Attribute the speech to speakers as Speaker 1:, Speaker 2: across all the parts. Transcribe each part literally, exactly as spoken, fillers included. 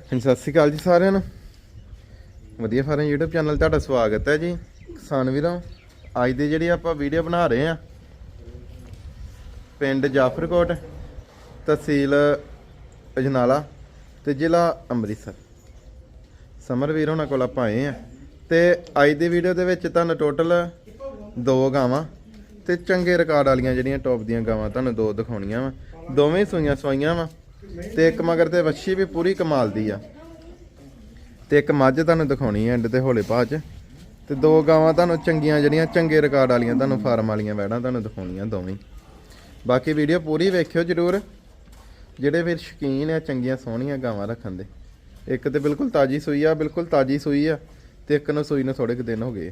Speaker 1: ਹਾਂਜੀ ਸਤਿ ਸ਼੍ਰੀ ਅਕਾਲ ਜੀ ਸਾਰਿਆਂ ਨੂੰ। ਵਧੀਆ ਫਾਰਮ YouTube ਚੈਨਲ ਤੁਹਾਡਾ ਸਵਾਗਤ ਹੈ ਜੀ ਕਿਸਾਨ ਵੀਰੋ। ਅੱਜ ਦੀ ਜਿਹੜੀ ਆਪਾਂ ਵੀਡੀਓ ਬਣਾ ਰਹੇ ਆ ਪਿੰਡ ਜਾਫਰਕੋਟ, ਤਹਿਸੀਲ ਅਜਨਾਲਾ ਤੇ ਜ਼ਿਲ੍ਹਾ ਅੰਮ੍ਰਿਤਸਰ। ਸਮਰ ਵੀਰ ਹੋਣਾ ਕੋਲ ਆਪਾਂ ਆਏ ਆ ਤੇ ਅੱਜ ਦੀ ਵੀਡੀਓ ਦੇ ਵਿੱਚ ਤੁਹਾਨੂੰ ਟੋਟਲ ਦੋ ਗਾਵਾਂ ਤੇ ਚੰਗੇ ਰਿਕਾਰਡ ਵਾਲੀਆਂ ਜਿਹੜੀਆਂ ਟੌਪ ਦੀਆਂ ਗਾਵਾਂ ਤੁਹਾਨੂੰ ਦੋ ਦਿਖਾਉਣੀਆਂ ਵਾ। ਦੋਵੇਂ ਸੂਈਆਂ ਸਵਾਈਆਂ ਵਾ ਤੇ ਇੱਕ ਮਗਰ ਤੇ ਵੱਛੀ ਵੀ ਪੂਰੀ ਕਮਾਲ ਦੀ ਆ ਤੇ ਇੱਕ ਮੱਝ ਤੁਹਾਨੂੰ ਦਿਖਾਉਣੀ ਹੈ ਐਂਡ ਤੇ ਹੌਲੇ ਭਾਅ ਚ। ਤੇ ਦੋ ਗਾਵਾਂ ਤੁਹਾਨੂੰ ਚੰਗੀਆਂ ਜਿਹੜੀਆਂ ਚੰਗੇ ਰਿਕਾਰਡ ਵਾਲੀਆਂ ਤੁਹਾਨੂੰ ਫਾਰਮ ਵਾਲੀਆਂ ਵੈੜਾਂ ਤੁਹਾਨੂੰ ਦਿਖਾਉਣੀਆਂ ਦੋਵੇਂ। ਬਾਕੀ ਵੀਡੀਓ ਪੂਰੀ ਵੇਖਿਓ ਜ਼ਰੂਰ ਜਿਹੜੇ ਵੀਰ ਸ਼ੌਕੀਨ ਆ ਚੰਗੀਆਂ ਸੋਹਣੀਆਂ ਗਾਵਾਂ ਰੱਖਣ ਦੇ। ਇੱਕ ਤੇ ਬਿਲਕੁਲ ਤਾਜ਼ੀ ਸੂਈ ਆ, ਬਿਲਕੁਲ ਤਾਜ਼ੀ ਸੂਈ ਆ ਤੇ ਇੱਕ ਨੂੰ ਸੂਈ ਨੂੰ ਥੋੜੇ ਕੁ ਦਿਨ ਹੋ ਗਏ।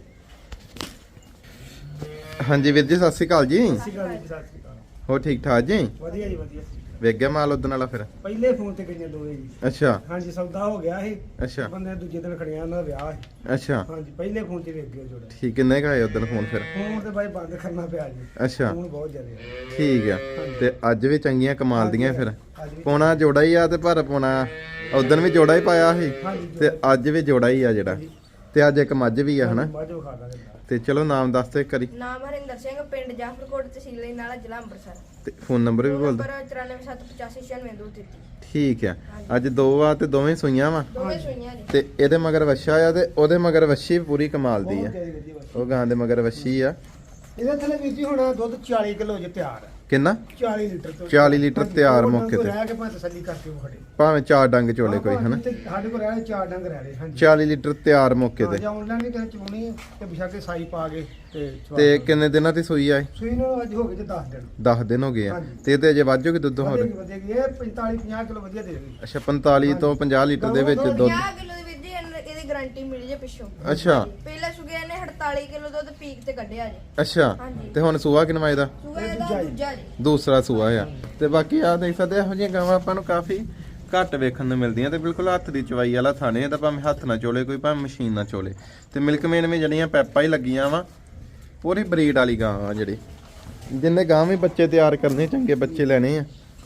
Speaker 1: ਹਾਂਜੀ ਵੀਰ ਜੀ ਸਤਿ ਸ਼੍ਰੀ ਅਕਾਲ ਜੀ।
Speaker 2: ਸਤਿ ਸ਼੍ਰੀ ਅਕਾਲ ਜੀ। ਸਤਿ ਸ਼੍ਰੀ ਅਕਾਲ।
Speaker 1: ਹੋ ਠੀਕ ਠਾਕ ਜੀ?
Speaker 2: ਵਧੀਆ ਜੀ ਵਧੀਆ।
Speaker 1: ਵੇਖ ਗਿਆ ਮਾਲ ਉਦਣ ਵਾਲਾ ਫਿਰ?
Speaker 2: ਪਹਿਲੇ ਫੋਨ ਤੇ ਗਈਆਂ ਦੋਵੇਂ ਜੀ।
Speaker 1: ਅੱਛਾ
Speaker 2: ਹਾਂਜੀ ਸੌਦਾ ਹੋ ਗਿਆ ਸੀ।
Speaker 1: ਅੱਛਾ
Speaker 2: ਬੰਦੇ ਦੂਜੇ ਦਿਨ ਖੜਿਆ ਉਹਨਾਂ ਦਾ ਵਿਆਹ ਸੀ।
Speaker 1: ਅੱਛਾ
Speaker 2: ਹਾਂਜੀ ਪਹਿਲੇ ਫੋਨ ਤੇ ਵੇਖ ਗਏ ਜੋੜਾ।
Speaker 1: ਠੀਕ। ਕਿੰਨੇ ਕੁ ਆਏ ਉਦਣ ਫੋਨ ਫਿਰ?
Speaker 2: ਫੋਨ ਤੇ ਬਾਈ ਬੰਦ ਕਰਨਾ ਪਿਆ ਜੀ।
Speaker 1: ਅੱਛਾ
Speaker 2: ਫੋਨ ਬਹੁਤ ਜ਼ਿਆਦਾ।
Speaker 1: ਠੀਕ ਆ। ਤੇ ਅੱਜ ਵੀ ਚੰਗੀਆਂ ਕਮਾਲ ਦੀਆਂ ਫਿਰ
Speaker 2: ਅੱਜ ਵੀ
Speaker 1: ਪੋਣਾ ਜੋੜਾ ਹੀ ਆ ਤੇ ਪਰ ਪੋਣਾ ਉਦਣ ਵੀ ਜੋੜਾ ਹੀ ਪਾਇਆ ਸੀ
Speaker 2: ਹਾਂਜੀ
Speaker 1: ਤੇ ਅੱਜ ਵੀ ਜੋੜਾ ਹੀ ਆ ਜਿਹੜਾ। ਤੇ ਅੱਜ ਇੱਕ ਮੱਝ ਵੀ ਆ ਹਨਾ।
Speaker 2: ਮੱਝ ਖਾ ਦਾਂਗੇ।
Speaker 1: ਤੇ ਚਲੋ ਨਾਮ ਦੱਸ ਦੇ ਇੱਕ ਵਾਰੀ।
Speaker 3: ਨਾਮ ਹਰਿੰਦਰ ਸਿੰਘ, ਪਿੰਡ ਜਾਫਰਕੋਟ, ਤਹਿਸੀਲ ਅਜਨਾਲਾ, ਜ਼ਿਲ੍ਹਾ ਅੰਮ੍ਰਿਤਸਰ।
Speaker 1: ਤੇ ਫੋਨ ਨੰਬਰ ਵੀ ਬੋਲ ਦੋ।
Speaker 3: ਨੰਬਰ ਚੁਰਾਨਵੇਂ ਸੱਤ ਪਚਾਸੀ ਛਿਆਨਵੇਂ ਦੋ ਤੇਤੀ।
Speaker 1: ਠੀਕ ਆ। ਅੱਜ ਦੋ ਆ ਤੇ ਦੋਵੇਂ ਸੂਈਆਂ ਵਾ
Speaker 3: ਦੋਵੇਂ ਸੂਈਆਂ ਜੀ।
Speaker 1: ਤੇ ਇਹਦੇ ਮਗਰ ਵੱਛਾ ਆ ਤੇ ਉਹਦੇ ਮਗਰ ਵੱਛੀ ਵੀ ਪੂਰੀ ਕਮਾਲ ਦੀ ਆ।
Speaker 2: ਬਹੁਤ ਵਧੀਆ ਵਧੀਆ।
Speaker 1: ਉਹ ਗਾਂ ਦੇ ਮਗਰ ਵੱਛੀ ਆ।
Speaker 2: ਇਹਦੇ ਥੱਲੇ ਵੀਰ ਜੀ ਹੁਣ ਦੁੱਧ ਚਾਲੀ ਕਿਲੋ ਜੇ ਤਿਆਰ ਹੈ।
Speaker 1: ਕਿੰਨਾ?
Speaker 2: ਚਾਲੀ ਲੀਟਰ ਤੋਂ
Speaker 1: ਚਾਲੀ ਲੀਟਰ ਤਿਆਰ ਮੌਕੇ ਤੇ।
Speaker 2: ਰਹਿ ਕੇ ਭਾਵੇਂ ਤਸੱਲੀ ਕਰਕੇ ਉਹ ਖੜੇ।
Speaker 1: ਭਾਵੇਂ ਚਾਰ ਡੰਗ ਚੋਲੇ ਕੋਈ ਹਨਾ।
Speaker 2: ਸਾਡੇ ਕੋਲ ਰਹਿ ਚਾਰ ਡੰਗ ਰਹਿ ਰਹੇ। ਹਾਂਜੀ
Speaker 1: ਚਾਲੀ ਲੀਟਰ ਤਿਆਰ ਮੌਕੇ ਤੇ।
Speaker 2: ਜਾਂ ਆਨਲਾਈਨ ਵੀ ਕਿਸੇ ਚਵਾਉਣੀ ਹੈ ਤੇ ਬਿਸ਼ਾ ਕੇ ਸਾਈ ਪਾ ਕੇ ਤੇ ਚਵਾ
Speaker 1: ਤੇ ਕਿੰਨੇ ਦਿਨਾਂ ਦੀ ਸੂਈ ਆ?
Speaker 2: ਸੂਈ ਨੂੰ ਅੱਜ ਹੋ ਗਏ ਜੇ ਦਸ ਦਿਨ।
Speaker 1: ਦਸ ਦਿਨ ਹੋ ਗਏ ਆ।
Speaker 2: ਹਾਂਜੀ।
Speaker 1: ਤੇ ਇਹਦੇ ਅਜੇ ਵਾਜੂਗੀ ਦੁੱਧ ਹੋਰ?
Speaker 2: ਵਧੇਗੀ ਵਧੇਗੀ। ਇਹ ਪੰਤਾਲੀ ਪੰਜਾਹ ਕਿਲੋ ਵਧੀਆ ਦੇ ਦੇਗੀ।
Speaker 1: ਅੱਛਾ ਪੰਤਾਲੀ ਤੋਂ ਪੰਜਾਹ ਲੀਟਰ ਦੇ ਵਿੱਚ ਦੁੱਧ।
Speaker 3: ਪੰਜਾਹ ਕਿਲੋ ਦੇ ਵਿੱਚ ਜੀ ਇਹਨ- ਇਹਦੀ ਗਾਰੰਟੀ ਮਿਲੀ ਜੇ ਪਿੱਛੋਂ।
Speaker 1: ਅੱਛਾ
Speaker 3: ਪਹਿਲੇ ਸੁਗੇ ਨੇ ਅੜਤਾਲੀ ਕਿਲੋ ਦੁੱਧ ਪੀਕ ਤੇ ਕੱਢਿਆ ਜੀ।
Speaker 1: ਅੱਛਾ
Speaker 3: ਹਾਂਜੀ।
Speaker 1: ਤੇ ਹੁਣ ਸੂਆ ਕਿੰਨਾ ਇਹਦਾ?
Speaker 3: ਸੂਆ ਇਹਦਾ ਦੂਜਾ ਜੀ।
Speaker 1: ਦੂਸਰਾ ਸੂਆ ਆ। ਤੇ ਬਾਕੀ ਆ ਦੇਖ ਸਕਦੇ ਇਹੋ ਜਿਹੀਆਂ ਗਾਵਾਂ ਆਪਾਂ ਨੂੰ ਕਾਫੀ ਘੱਟ ਵੇਖਣ ਨੂੰ ਮਿਲਦੀਆਂ ਤੇ ਬਿਲਕੁਲ ਹੱਥ ਦੀ ਚਵਾਈ ਵਾਲਾ ਥਾਣੇ ਇਹਦਾ, ਭਾਵੇਂ ਹੱਥ ਨਾਲ ਚੋਲੇ ਕੋਈ ਭਾਵੇਂ ਮਸ਼ੀਨ ਨਾਲ ਚੋਲੇ। ਤੇ ਮਿਲਕ ਮੇਨ ਵੀ ਜਿਹੜੀਆਂ ਪੈਪਾਂ ਹੀ ਲੱਗੀਆਂ ਵਾ ਪੂਰੀ ਬਰੀਡ ਵਾਲੀ ਗਾਂ ਆ ਜਿਹੜੀ। ਜਿੰਨੇ ਗਾਂ ਵੀ ਬੱਚੇ ਤਿਆਰ ਕਰਨੇ ਚੰਗੇ ਬੱਚੇ ਲੈਣੇ ਆ।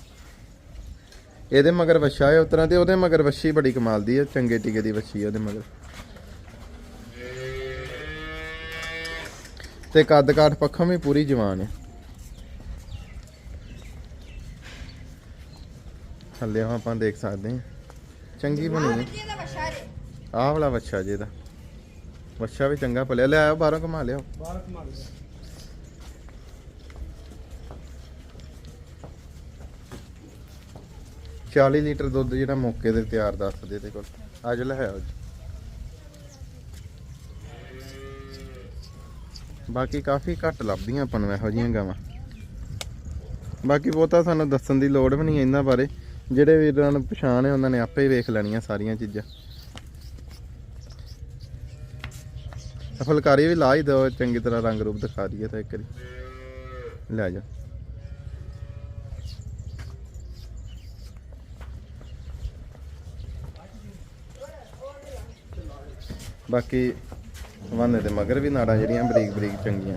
Speaker 1: ਇਹਦੇ ਮਗਰ ਵੱਛਾ ਹੈ ਉਤਰਾਂ ਤੇ ਉਹਦੇ ਮਗਰ ਵੱਛੀ ਬੜੀ ਕਮਾਲ ਦੀ ਆ, ਚੰਗੇ ਟੀਕੇ ਦੀ ਵੱਛੀ ਆ ਉਹਦੇ ਮਗਰ। ਤੇ ਕੱਦ ਕਾਠ ਪੱਖੋਂ ਵੀ ਪੂਰੀ ਜਵਾਨ ਹੈ। ਥੱਲੇ ਆਪਾਂ ਦੇਖ ਸਕਦੇ ਹਾਂ ਚੰਗੀ ਬਣੀ ਹੈ।
Speaker 3: ਜੀ ਇਹਦਾ ਵੱਛਾ ਜੀ।
Speaker 1: ਆਹ ਵਾਲਾ ਵੱਛਾ ਜੀ ਇਹਦਾ। ਵੱਛਾ ਵੀ ਚੰਗਾ ਪਲਿਆ। ਲੈ ਆਓ ਬਾਹਰੋਂ ਘੁਮਾ ਲਿਆਓ।
Speaker 2: ਬਾਹਰ ਕਮਾ ਲਿਆ।
Speaker 1: ਚਾਲੀ ਲੀਟਰ ਦੁੱਧ ਜਿਹੜਾ ਮੌਕੇ ਤੇ ਤਿਆਰ ਦੱਸਦੇ ਇਹਦੇ ਕੋਲ। ਅੱਜ ਲੈ ਆਓ ਜੀ। ਬਾਕੀ ਕਾਫੀ ਘੱਟ ਲੱਭਦੀਆਂ ਆਪਾਂ ਨੂੰ ਇਹੋ ਜਿਹੀਆਂ ਗਾਵਾਂ। ਬਾਕੀ ਬਹੁਤਾ ਸਾਨੂੰ ਦੱਸਣ ਦੀ ਲੋੜ ਵੀ ਨਹੀਂ ਇਹਨਾਂ ਬਾਰੇ। ਜਿਹੜੇ ਵੀਰਾਂ ਨੂੰ ਪਛਾਣ ਹੈ ਉਹਨਾਂ ਨੇ ਆਪੇ ਹੀ ਵੇਖ ਲੈਣੀਆਂ ਸਾਰੀਆਂ ਚੀਜ਼ਾਂ। ਫੁਲਕਾਰੀ ਵੀ ਲਾ ਹੀ ਦਿਓ ਚੰਗੀ ਤਰ੍ਹਾਂ, ਰੰਗ ਰੂਪ ਦਿਖਾ ਦਈਏ ਤਾਂ ਇੱਕ ਵਾਰੀ। ਲੈ ਜਾ। ਬਾਕੀ ਵਾਨੇ ਦੇ ਮਗਰ ਵੀ ਨਾੜਾਂ ਜਿਹੜੀਆਂ ਬਰੀਕ ਬਰੀਕ ਚੰਗੀਆਂ।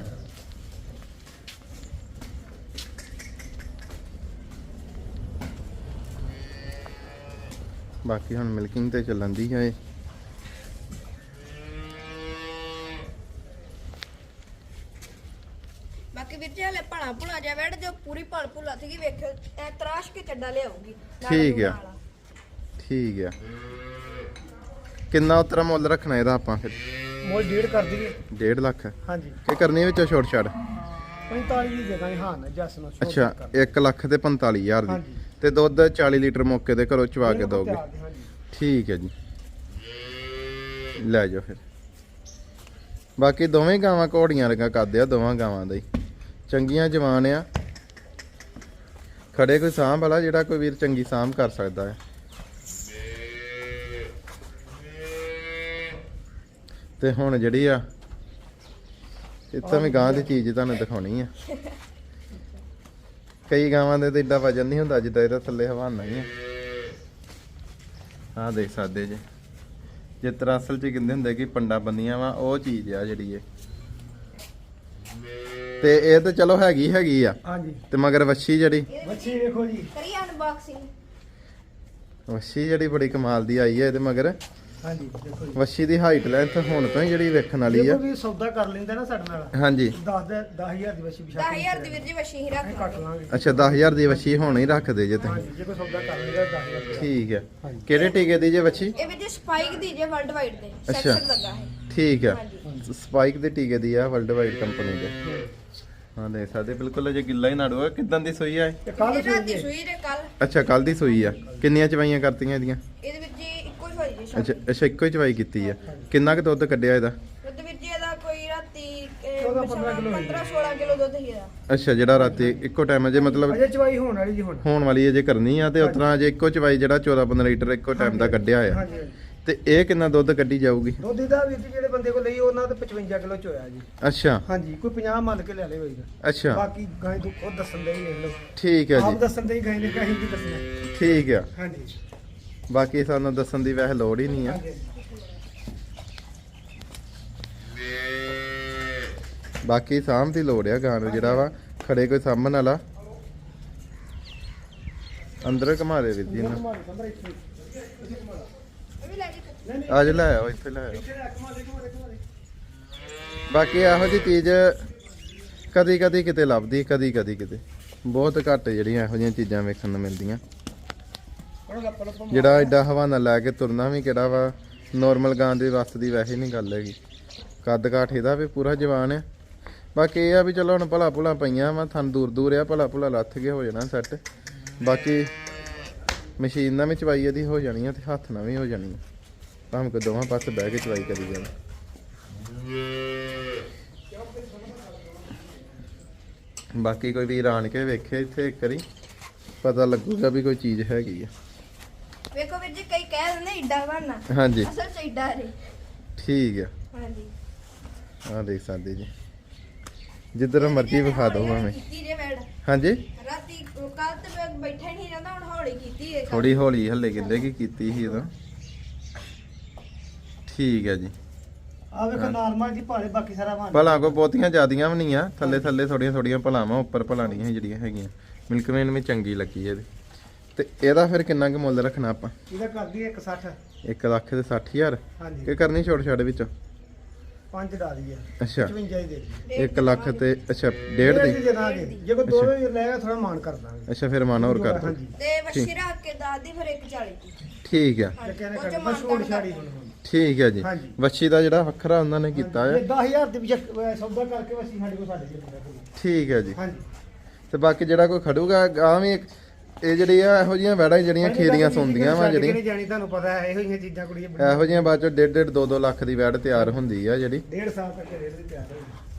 Speaker 1: ਬਾਕੀ ਹੁਣ ਮਿਲਕਿੰਗ ਤੇ ਚੱਲਣ ਦੀ ਹੈ।
Speaker 3: ਬਾਕੀ ਵੀਰ ਜੀ ਹਲੇ ਭਲਾ ਭੁਲਾ ਜਾ ਵੜ ਜੋ ਪੂਰੀ ਭਲ ਭੁਲਾ ਸੀਗੀ ਵੇਖਿਓ ਐ ਤਰਾਸ਼ ਕੇ ਚੱਡਾ ਲਿਆਉਗੀ।
Speaker 1: ਠੀਕ ਆ ਠੀਕ ਆ। ਕਿੰਨਾ ਉਤਰਾ ਮੁੱਲ ਰੱਖਣਾ ਇਹਦਾ ਆਪਾਂ ਫਿਰ?
Speaker 2: ਮੋਲ ਡੇਢ ਕਰ ਦਈਏ।
Speaker 1: ਡੇਢ ਲੱਖ
Speaker 2: ਹਾਂਜੀ
Speaker 1: ਕੀ ਕਰਨੀ ਵਿੱਚੋਂ ਛੋਟ ਛੱਡ?
Speaker 2: ਪੰਤਾਲੀ ਦੀ ਜਗ੍ਹਾ ਹਾਂ ਨਾ ਜੱਸ ਨੂੰ ਛੋੜ
Speaker 1: ਅੱਛਾ
Speaker 2: ਕਰ।
Speaker 1: ਇੱਕ ਲੱਖ ਤੇ ਪੰਤਾਲੀ ਹਜ਼ਾਰ ਦੀ।
Speaker 2: ਹਾਂਜੀ।
Speaker 1: ਤੇ ਦੁੱਧ ਚਾਲੀ ਲੀਟਰ ਮੌਕੇ ਤੇ ਘਰੋਂ ਚਵਾ ਕੇ ਦੋਗੇ?
Speaker 2: ਹਾਂਜੀ।
Speaker 1: ਠੀਕ ਹੈ ਜੀ ਲੈ ਜਾਓ ਫਿਰ। ਬਾਕੀ ਦੋਵੇਂ ਗਾਵਾਂ ਘੋੜੀਆਂ ਲਗਾ ਕਰਦੇ ਆ ਦੋਵਾਂ ਗਾਵਾਂ ਦਾ ਹੀ ਚੰਗੀਆਂ ਜਵਾਨ ਆ। ਖੜੇ ਕੋਈ ਸਾਂਭ ਵਾਲਾ ਜਿਹੜਾ ਕੋਈ ਵੀਰ ਚੰਗੀ ਸਾਂਭ ਕਰ ਸਕਦਾ ਹੈ। ਤੇ ਹੁਣ ਜਿਹੜੀ ਆ ਇੱਥੇ ਵੀ ਗਾਂ ਦੀ ਚੀਜ਼ ਤੁਹਾਨੂੰ ਦਿਖਾਉਣੀ ਆ। ਕਈ ਗਾਵਾਂ ਦੇ ਤੇ ਏਡਾ ਵਜਨ ਨਹੀਂ ਹੁੰਦਾ ਜਿੱਦਾਂ ਇਹਦਾ ਥੱਲੇ ਹਵਾਨਾ ਹੀ ਆ। ਆਹ ਦੇਖ ਸਕਦੇ ਜੇ ਜਿਸ ਤਰ੍ਹਾਂ ਅਸਲ ਚ ਕਹਿੰਦੇ ਹੁੰਦੇ ਕਿ ਪੰਡਾ ਬੰਦੀਆਂ ਵਾ ਉਹ ਚੀਜ਼ ਆ ਜਿਹੜੀ ਇਹ। ਤੇ ਇਹ ਤਾਂ ਚਲੋ ਹੈਗੀ ਹੈਗੀ ਆ।
Speaker 2: ਹਾਂਜੀ
Speaker 1: ਤੇ ਮਗਰ ਵੱਛੀ ਜਿਹੜੀ
Speaker 2: ਬੱਚੀ ਵੇਖੋ ਜੀ।
Speaker 3: ਕਰੀ ਅਨਬਾਕਸਿੰਗ।
Speaker 1: ਵੱਛੀ ਜਿਹੜੀ ਬੜੀ ਕਮਾਲ ਦੀ ਆਈ ਹੈ ਇਹਦੇ ਮਗਰ।
Speaker 2: ਹਾਂਜੀ ਦੇਖੋ ਜੀ,
Speaker 1: ਵੱਛੀ ਦੀ ਹਾਈਟ ਲੈਂਥ ਹੁਣ ਤੋਂ ਹੀ ਜਿਹੜੀ ਵੇਖਣ ਵਾਲੀ ਆ।
Speaker 2: ਦੇਖੋ ਵੀ ਸੌਦਾ ਕਰ ਲੈਂਦਾ ਨਾ ਸਾਡੇ ਨਾਲ,
Speaker 1: ਹਾਂਜੀ
Speaker 2: ਦਸ ਦੇ ਦਸ ਹਜ਼ਾਰ ਦੀ ਵਸ਼ੀ ਵਿਸ਼ਾ
Speaker 3: ਦਸ ਹਜ਼ਾਰ ਦੀ ਵੀਰ ਜੀ ਵਸ਼ੀ ਹੀ ਰੱਖ
Speaker 2: ਕੱਟ
Speaker 3: ਲਾਂਗੇ।
Speaker 2: ਲਾਂਗੇ।
Speaker 1: ਅੱਛਾ ਦਸ ਹਜ਼ਾਰ ਦੀ ਵੱਛੀ ਹੁਣ ਹੀ ਰੱਖਦੇ ਜੇ ਤੁਸੀਂ।
Speaker 2: ਹਾਂਜੀ ਜੇ ਕੋਈ ਸੌਦਾ ਕਰ ਲੈਂਦਾ ਦਸ ਹਜ਼ਾਰ ਦੀ।
Speaker 1: ਠੀਕ ਹੈ।
Speaker 2: ਹਾਂਜੀ।
Speaker 1: ਕਿਹੜੇ ਟੀਕੇ ਦੀ ਜੇ ਵੱਛੀ?
Speaker 3: ਇਹ ਵੀਰ ਜੀ ਸਪਾਈਕ ਦੀ ਜੇ ਵਰਲਡ ਵਾਈਡ ਦੇ
Speaker 1: ਅੱਛਾ।
Speaker 3: ਸੈਂਸਰ ਲੱਗਾ ਹੈ।
Speaker 1: ਠੀਕ ਹੈ।
Speaker 3: ਹਾਂਜੀ
Speaker 1: ਸਪਾਈਕ ਦੇ ਟੀਕੇ ਦੀ ਆ ਵਰਲਡ ਵਾਈਡ ਕੰਪਨੀ ਦੇ। ਹਾਂ ਦੇਖ ਸਕਦੇ ਬਿਲਕੁਲ ਅਜੇ ਗਿੱਲਾ ਹੀ ਨਾੜੂ ਆ। ਕਿਦਾਂ ਦੀ ਸੂਈ ਆ ਇਹ?
Speaker 2: ਤੇ ਕੱਲ
Speaker 3: ਇਹ ਰਾਤੀ ਸੂਈ ਦੇ ਕੱਲ
Speaker 1: ਅੱਛਾ ਕੱਲ ਦੀ ਸੂਈ ਆ। ਕਿੰਨੀਆਂ ਚਵਾਈਆਂ ਕਰਤੀਆਂ ਇਹਦੀਆਂ?
Speaker 3: ਇਹਦੇ ਵਿੱਚ ਜੀ ਇੱਕੋ ਹੀ ਹੋਈ ਜੀ
Speaker 1: ਅੱਛਾ
Speaker 3: ਸ਼ਾਮ
Speaker 1: ਅੱਛਾ ਇੱਕੋ ਹੀ ਚਵਾਈ ਕੀਤੀ ਆ। ਕਿੰਨਾ ਕੁ ਦੁੱਧ ਕੱਢਿਆ ਇਹਦਾ?
Speaker 3: ਦੁੱਧ ਵੀਰ ਜੀ ਇਹਦਾ ਕੋਈ ਰਾਤੀ
Speaker 2: ਚੌਦਾਂ ਪੰਦਰਾਂ ਕਿਲੋ ਹੋਈ।
Speaker 3: ਪੰਦਰਾਂ ਸੋਲਾਂ ਕਿਲੋ ਦੁੱਧ ਹੀ ਇਹਦਾ।
Speaker 1: ਅੱਛਾ ਜਿਹੜਾ ਰਾਤੀ ਇੱਕੋ ਟਾਈਮ ਅਜੇ ਮਤਲਬ
Speaker 2: ਅਜੇ ਚਵਾਈ ਹੋਣ ਵਾਲੀ ਜੀ ਹੁਣ।
Speaker 1: ਹੋਣ ਵਾਲੀ ਅਜੇ ਕਰਨੀ ਆ ਤੇ ਉਤਰਾ ਅਜੇ ਇੱਕੋ ਚਵਾਈ ਜਿਹੜਾ ਚੌਦਾਂ ਪੰਦਰਾਂ ਲੀਟਰ ਇੱਕੋ ਟਾਈਮ ਦਾ ਕੱਢਿਆ ਆ।
Speaker 2: ਹਾਂਜੀ ਹਾਂਜੀ।
Speaker 1: ਤੇ ਇਹ ਕਿੰਨਾ ਦੁੱਧ ਕੱਢੀ ਜਾਊਗੀ?
Speaker 2: ਦੁੱਧ ਦਾ ਵੀ ਜਿਹੜੇ ਬੰਦੇ ਕੋਲ ਲਈ ਉਹਨਾਂ ਤੇ ਪਚਵੰਜਾ ਕਿਲੋ ਚ ਹੋਇਆ ਜੀ।
Speaker 1: ਅੱਛਾ
Speaker 2: ਹਾਂਜੀ ਕੋਈ ਪੰਜਾਹ ਮੰਨ ਕੇ ਲੈ ਲੇ ਹੋਈ
Speaker 1: ਅੱਛਾ
Speaker 2: ਬਾਕੀ ਗਾਂ ਤੂੰ ਖੁਦ ਦੱਸਣ ਦੇ ਹੀ ਵੇਖ ਲਓ।
Speaker 1: ਠੀਕ ਹੈ
Speaker 2: ਆਪ
Speaker 1: ਜੀ
Speaker 2: ਦੱਸਣ ਦੇ ਹੀ ਗਾਂ ਨੇ ਕਹੀਂ ਦੀ ਦੱਸਣਾ।
Speaker 1: ਠੀਕ ਆ।
Speaker 2: ਹਾਂਜੀ
Speaker 1: ਬਾਕੀ ਸਾਨੂੰ ਦੱਸਣ ਦੀ ਵੈਸੇ ਲੋੜ ਹੀ ਨਹੀਂ ਆ।
Speaker 2: ਹਾਂਜੀ
Speaker 1: ਬਾਕੀ ਸਾਂਭ ਦੀ ਲੋੜ ਆ ਗਾਂ ਨੂੰ ਜਿਹੜਾ ਵਾ ਖੜੇ ਕੋਈ ਸਾਂਭਣ ਵਾਲਾ। ਅੰਦਰ ਘੁਮਾ ਦੇ ਵੀਰ ਜੀ ਇਹਨੂੰ।
Speaker 3: ਇਹ ਵੀ ਲੈ ਜੀ
Speaker 1: ਅੱਜ ਲੈ ਆਓ ਇੱਥੇ ਲੈ ਆਓ। ਬਾਕੀ ਇਹੋ ਜੀ ਚੀਜ਼ ਕਦੀ ਕਦੀ ਕਿਤੇ ਲੱਭਦੀ ਕਦੀ ਕਦੀ ਕਿਤੇ ਬਹੁਤ ਘੱਟ ਜਿਹੜੀਆਂ ਇਹੋ ਜਿਹੀਆਂ ਚੀਜ਼ਾਂ ਵੇਖਣ ਨੂੰ ਮਿਲਦੀਆਂ। ਜਿਹੜਾ ਐਡਾ ਹਵਾਨਾ ਲੈ ਕੇ ਤੁਰਨਾ ਵੀ ਕਿਹੜਾ ਵਾ ਨੋਰਮਲ ਗਾਂ ਦੇ ਵੱਸ ਦੀ ਵੈਸੇ ਨਹੀਂ ਗੱਲ ਹੈਗੀ। ਕੱਦ ਕਾਠ ਇਹਦਾ ਵੀ ਪੂਰਾ ਜਵਾਨ ਆ। ਬਾਕੀ ਇਹ ਆ ਵੀ ਚਲੋ ਹੁਣ ਭਲਾ ਭੁਲਾ ਪਈਆਂ ਵਾ ਥਣ ਦੂਰ ਦੂਰ ਆ ਭਲਾ ਭੁਲਾ ਲੱਥ ਕੇ ਹੋ ਜਾਣਾ ਸੈੱਟ। ਬਾਕੀ ਮਸ਼ੀਨ ਨਾਲ ਵੀ ਚਵਾਈ ਇਹਦੀ ਹੋ ਜਾਣੀ ਆ ਤੇ ਹੱਥ ਨਾਲ ਵੀ ਹੋ ਜਾਣੀ ਆ ਭਾਵੇਂ ਕੋਈ ਦੋਵਾਂ ਪਾਸੇ ਬਹਿ ਕੇ ਚਵਾਈ ਕਰੀ ਜਾਵੇ। ਬਾਕੀ ਕੋਈ ਵੀਰ ਆਣ ਕੇ ਵੇਖੇ ਇੱਥੇ ਇੱਕ ਵਾਰੀ ਪਤਾ ਲੱਗੂਗਾ ਵੀ ਕੋਈ ਚੀਜ਼ ਹੈਗੀ ਆ।
Speaker 3: ਵੇਖੋ ਵੀਰ ਜੀ ਕਈ ਕਹਿ ਦਿੰਦੇ ਏਡਾ ਬਣਨਾ
Speaker 1: ਹਾਂਜੀ
Speaker 3: ਅਸਲ ਚ ਏਡਾ ਰੇ।
Speaker 1: ਠੀਕ ਆ।
Speaker 3: ਹਾਂਜੀ
Speaker 1: ਆਹ ਦੇਖ ਸਕਦੇ ਜੀ ਜਿੱਧਰ ਮਰਜ਼ੀ ਵਿਖਾ ਦੋ ਭਾਵੇਂ।
Speaker 3: ਕੀਤੀ ਜੇ ਵੈੜ
Speaker 1: ਹਾਂਜੀ
Speaker 3: ਰਾਤੀ ਕੱਲ ਤੇ ਮੈਂ ਬੈਠਾ ਹੀ ਨਹੀਂ ਜਾਂਦਾ ਹੁਣ ਹੌਲੀ ਕੀਤੀ ਹੈ
Speaker 1: ਥੋੜੀ ਹੌਲੀ ਹੱਲੇ ਕਹਿੰਦੇ ਕੀ ਕੀਤੀ ਸੀ ਉਦੋਂ। ਠੀਕ ਹੈ ਜੀ।
Speaker 2: ਆ ਵੇਖੋ ਨਾਰਮਲ ਜੀ ਭਾਲੇ ਬਾਕੀ ਸਾਰਾ ਬਣ
Speaker 1: ਭਲਾ ਕੋ ਬਹੁਤੀਆਂ ਜ਼ਿਆਦੀਆਂ ਵੀ ਨਹੀਂ ਆ ਥੱਲੇ ਥੱਲੇ ਥੋੜੀਆਂ ਥੋੜੀਆਂ ਭਲਾਵਾਂ ਉੱਪਰ ਭਲਾਣੀਆਂ ਜਿਹੜੀਆਂ ਹੈਗੀਆਂ ਮਿਲਕਮੈਨ ਵੀ ਚੰਗੀ ਲੱਗੀ ਇਹਦੀ। ਤੇ ਇਹਦਾ ਫਿਰ ਕਿੰਨਾ ਕੁ ਮੁੱਲ ਰੱਖਣਾ ਆਪਾਂ?
Speaker 2: ਇਹਦਾ ਕਰਦੀ ਇੱਕ ਸੱਠ।
Speaker 1: ਇੱਕ ਲੱਖ ਤੇ ਸੱਠ ਹਜ਼ਾਰ
Speaker 2: ਹਾਂਜੀ
Speaker 1: ਕਿ ਕਰਨੀ ਛੋਟ ਛਾੜ ਵਿੱਚ?
Speaker 2: ਪੰਜ ਡਾ ਦੀ ਆ
Speaker 1: ਅੱਛਾ
Speaker 2: ਪਚਵੰਜਾ ਹੀ ਦੇ ਦੀ।
Speaker 1: ਇੱਕ ਲੱਖ ਤੇ ਅੱਛਾ ਡੇਢ ਦੀ।
Speaker 2: ਦੇ ਦਾਂਗੇ ਜੇ ਕੋਈ ਦੋ ਵੀ ਲੈਗਾ ਥੋੜਾ ਮਾਨ ਕਰ ਦਾਂਗੇ।
Speaker 1: ਅੱਛਾ ਫਿਰ ਮਨ ਹੋਰ ਕਰ ਦੋ।
Speaker 2: ਹਾਂਜੀ
Speaker 3: ਤੇ ਵਸ਼ੀ ਰੱਖ ਕੇ ਦੱਸਦੀ ਫਿਰ ਇੱਕ ਚਾਲੀ ਦੀ।
Speaker 1: ਠੀਕ ਆ
Speaker 2: ਜੇ ਕਹਿੰਦੇ
Speaker 3: ਉਹ ਚ
Speaker 2: ਕਰ
Speaker 3: ਮਾਨ
Speaker 2: ਬਸ ਛੋੜ
Speaker 3: ਕਰ
Speaker 2: ਛਾੜੀ ਹੁਣ।
Speaker 1: ਠੀਕ ਹੈ ਜੀ।
Speaker 2: ਹਾਂਜੀ।
Speaker 1: ਵੱਛੀ ਦਾ ਜਿਹੜਾ ਵੱਖਰਾ ਉਹਨਾਂ ਨੇ ਕੀਤਾ
Speaker 2: ਇਹ
Speaker 1: ਹੈ।
Speaker 2: ਦਸ ਹਜ਼ਾਰ ਦੇ ਵਿੱਚ ਸੌਦਾ ਕਰਕੇ ਵਸੀ ਸਾਡੇ ਕੋਲ ਸਾਡੇ ਕੋਲ।
Speaker 1: ਠੀਕ ਹੈ ਜੀ।
Speaker 2: ਹਾਂਜੀ
Speaker 1: ਤੇ ਬਾਕੀ ਜਿਹੜਾ ਕੋਈ ਖੜੂਗਾ ਗਾਂ ਵੀ ਇੱਕ- ਇਹ ਜਿਹੜੀ ਆ ਇਹੋ ਜਿਹੀਆਂ ਵੈੜਾਂ ਜਿਹੜੀਆਂ ਖੇਰੀਆਂ ਸੁਣਦੀਆਂ ਵਾ ਜਿਹੜੀਆਂ
Speaker 2: ਨਹੀਂ ਜਾਣੀ ਤੁਹਾਨੂੰ ਪਤਾ ਹੈ ਇਹੋ ਜਿਹੀਆਂ ਚੀਜ਼ਾਂ ਕੁੜੀਆਂ ਬੜੀਆਂ।
Speaker 1: ਇਹੋ ਜਿਹੀਆਂ ਬਾਅਦ ਚੋਂ ਡੇਢ ਡੇਢ ਦੋ ਦੋ ਲੱਖ ਦੀ ਵੈੜ ਤਿਆਰ ਹੁੰਦੀ ਆ ਜਿਹੜੀ।
Speaker 2: ਡੇਢ ਸਾਲ ਤੱਕ ਰੇਟ ਦੀ ਤਿਆਰ ਹੋਈ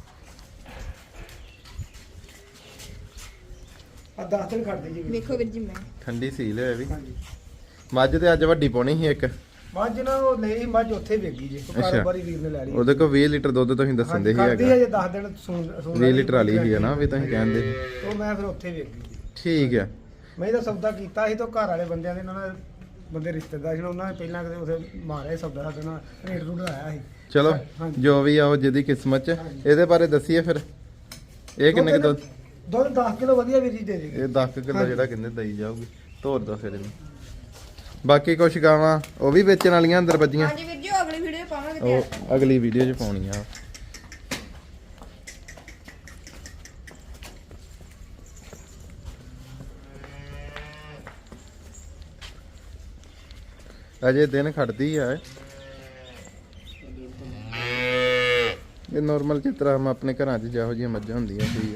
Speaker 2: ਆ ਦਸ ਦਿਨ ਕੱਢ ਦੇ ਜੀ।
Speaker 3: ਵੇਖੋ ਵੀਰ ਜੀ ਮੈਂ
Speaker 1: ਠੰਡੀ ਸੀਲ ਹੈ ਵੀ।
Speaker 2: ਹਾਂਜੀ
Speaker 1: ਮੱਝ ਤੇ ਅੱਜ ਵੱਡੀ ਪਾਉਣੀ ਸੀ ਇੱਕ।
Speaker 2: ਮੱਝ ਨਾ ਉਹ ਲਈ ਮੱਝ ਉੱਥੇ ਵੇਗੀ ਜੀ
Speaker 1: ਅੱਛਾ।
Speaker 2: ਕਾਰੋਬਾਰੀ ਵੀਰ ਨੇ ਲੈ ਲਈ।
Speaker 1: ਉਹਦੇ ਕੋਲ ਵੀਹ ਲੀਟਰ ਦੁੱਧ ਤੁਸੀਂ ਦੱਸਣ ਦੇ ਸੀ
Speaker 2: ਕਰਦੀ
Speaker 1: ਹੈਗਾ।
Speaker 2: ਹੈ ਜੇ ਦਸ ਦਿਨ ਸੂਣ ਸੂਣ
Speaker 1: ਵੀਹ ਲੀਟਰ ਵਾਲੀ ਸੀ ਨਾ ਵੀ ਤੁਸੀਂ ਕਹਿੰਦੇ ਸੀ।
Speaker 2: ਉਹ ਮੈਂ ਫਿਰ ਉੱਥੇ ਵੇਗੀ ਜੀ।
Speaker 1: ਠੀਕ ਹੈ।
Speaker 2: ਮੈਂ ਇਹਦਾ ਸੌਦਾ ਕੀਤਾ ਸੀ ਤਾਂ ਘਰ ਵਾਲੇ ਬੰਦਿਆਂ ਨੇ ਇਹਨਾਂ ਨੇ ਬੰਦੇ ਰਿਸ਼ਤੇਦਾਰ ਸੀ ਉਹਨਾਂ ਨੇ ਪਹਿਲਾਂ ਕਿਤੇ ਉਥੇ ਮਾਰਿਆ ਸੌਦਾ ਸਾਡੇ ਨਾਲ ਰੇਟ ਰੂਟ ਆਇਆ ਸੀ।
Speaker 1: ਚਲੋ
Speaker 2: ਹਾਂਜੀ।
Speaker 1: ਜੋ ਵੀ ਆ ਉਹ ਜਿਹਦੀ ਕਿਸਮਤ ਚ। ਇਹਦੇ ਬਾਰੇ ਦੱਸੀਏ ਫਿਰ ਇਹ ਕਿੰਨੇ ਕੁ ਦੁੱਧ?
Speaker 2: ਦੁੱਧ ਦਸ ਕਿਲੋ ਵਧੀਆ ਵੀਰ ਜੀ ਦੇ ਦੇਗੇ।
Speaker 1: ਇਹ ਦਸ ਕਿਲੋ ਜਿਹੜਾ ਕਹਿੰਦੇ ਦਈ ਜਾਊਗੀ ਤੋਰ ਦੋ ਫਿਰ ਇਹਨੂੰ। ਬਾਕੀ ਕੁਛ ਗਾਵਾਂ ਉਹ ਵੀ ਵੇਚਣ ਵਾਲੀਆਂ ਅੰਦਰ ਵੱਜੀਆਂ
Speaker 3: ਹਾਂਜੀ ਵੀਰ ਜੀ ਉਹ ਅਗਲੀ ਵੀਡੀਓ ਪਾਵਾਂਗੇ ਤੇ
Speaker 1: ਉਹ ਅਗਲੀ ਵੀਡੀਓ 'ਚ ਪਾਉਣੀਆਂ। ਅਜੇ ਦਿਨ ਖੜਦੀ ਆ ਇਹ ਨਾਰਮਲ ਜਿਸ ਤਰ੍ਹਾਂ ਹਮ ਆਪਣੇ ਘਰਾਂ 'ਚ ਜਿਹੋ ਜਿਹੀਆਂ ਮੱਝਾਂ ਹੁੰਦੀਆਂ ਸੀ।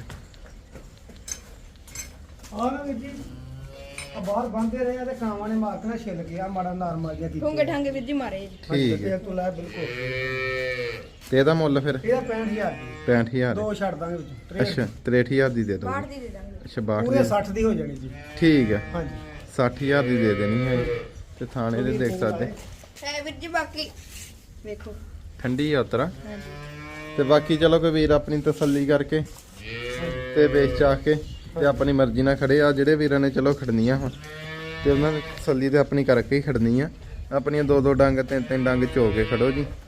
Speaker 2: ਆਹ ਨਾ ਵੀਰ ਜੀ ਆ ਬਾਹਰ ਬੰਦੇ ਰਹੇ ਆ ਤੇ ਕਾਵਾਂ ਨੇ ਮਾਰ ਕੇ ਨਾ ਛਿੱਲ ਗਿਆ ਮਾੜਾ ਨਾਰਮਲ ਜਿਹਾ ਕੀਤਾ।
Speaker 3: ਠੁੰਗੇ ਠਾਂਗੇ ਵੀਰ ਜੀ ਮਾਰੇ ਜੀ।
Speaker 1: ਠੀਕ ਹੈ।
Speaker 2: ਤੂੰ ਲੈ ਬਿਲਕੁਲ
Speaker 1: ਤੇ ਇਹਦਾ ਮੁੱਲ ਫਿਰ
Speaker 2: ਇਹਦਾ ਪੈਂਹਠ ਹਜ਼ਾਰ ਦੀ
Speaker 1: ਪੈਂਹਠ ਹਜ਼ਾਰ
Speaker 2: ਦੋ ਛੱਡ ਦਾਂਗੇ ਵਿੱਚ
Speaker 1: ਅੱਛਾ ਤਰੇਹਠ ਹਜ਼ਾਰ ਦੀ ਦੇ ਦੋ।
Speaker 3: ਬਾਹਰ ਦੀ ਦੇ ਦਾਂਗੇ।
Speaker 1: ਅੱਛਾ ਬਾਹਠ
Speaker 2: ਪੂਰੇ
Speaker 1: ਦੀ
Speaker 2: ਸੱਠ ਦੀ ਹੋ ਜਾਣੀ ਜੀ।
Speaker 1: ਠੀਕ ਹੈ।
Speaker 2: ਹਾਂਜੀ
Speaker 1: ਸੱਠ ਹਜ਼ਾਰ ਦੀ ਦੇ ਦੇਣੀ ਹੈ ਤੇ ਥਾਣੇ ਦੇ ਦੇਖ ਸਕਦੇ
Speaker 3: ਹੈ ਵੀਰ ਜੀ ਬਾਕੀ ਵੇਖੋ
Speaker 1: ਠੰਡੀ ਆ ਉਤਰਾ।
Speaker 3: ਹਾਂਜੀ
Speaker 1: ਤੇ ਬਾਕੀ ਚਲੋ ਕੋਈ ਵੀਰ ਆਪਣੀ ਤਸੱਲੀ ਕਰਕੇ ਤੇ ਵੇਚ ਚਾ ਕੇ ਤੇ ਆਪਣੀ ਮਰਜ਼ੀ ਨਾਲ ਖੜੇ ਆ। ਜਿਹੜੇ ਵੀਰਾਂ ਨੇ ਚਲੋ ਖੜਨੀਆਂ ਹੁਣ ਤੇ ਉਹਨਾਂ ਨੇ ਤਸੱਲੀ ਤੇ ਆਪਣੀ ਕਰਕੇ ਹੀ ਖੜਨੀ ਆ। ਆਪਣੀਆਂ ਦੋ ਦੋ ਡੰਗ ਤਿੰਨ ਤਿੰਨ ਡੰਗ ਝੋ ਕੇ ਖੜੋ ਜੀ।